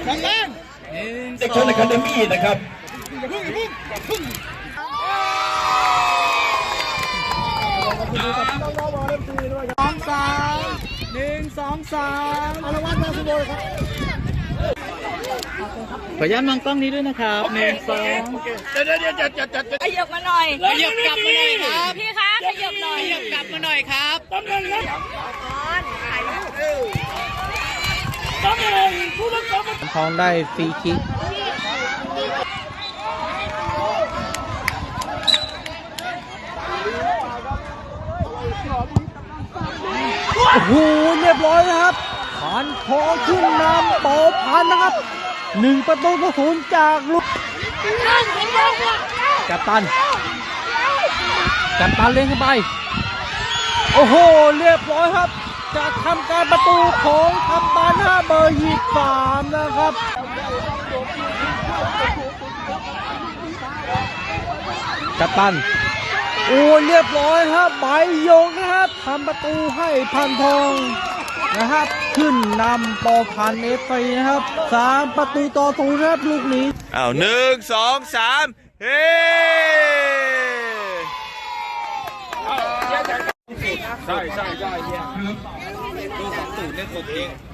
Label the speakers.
Speaker 1: เด็กชนอะคาเดมี่นะครับ
Speaker 2: 1 2 3อารวัตมาสุโบครับขออนุญาตมองกล้องนี้ด้วยนะครับ1 2
Speaker 3: ขยับมาหน่อย
Speaker 2: ขยับกลับมาหน่อยครับ
Speaker 3: พี่คะขยับหน่อย
Speaker 2: ขยับกลับมาหน่อยครับทองได้ฟรีคิกโอ้โหเรียบร้อยนะครับผ่านทองขึ้นนำเป่าพันนะครับ1-0จากลูกกัปตันเล่นเข้าไปโอ้โหเรียบร้อยครับจะทำการประตูของกัปตันเบอร์23นะครับกัปตันโอ้เรียบร้อยครับใบยงนะครับทำประตูให้พันทองนะครับขึ้นนำปอพันเอฟซีนะครับ3-0นะครับลูกนี้
Speaker 1: 1 2 3เฮ้ใช่เนี่ยดู2-0เล่นตัวเอง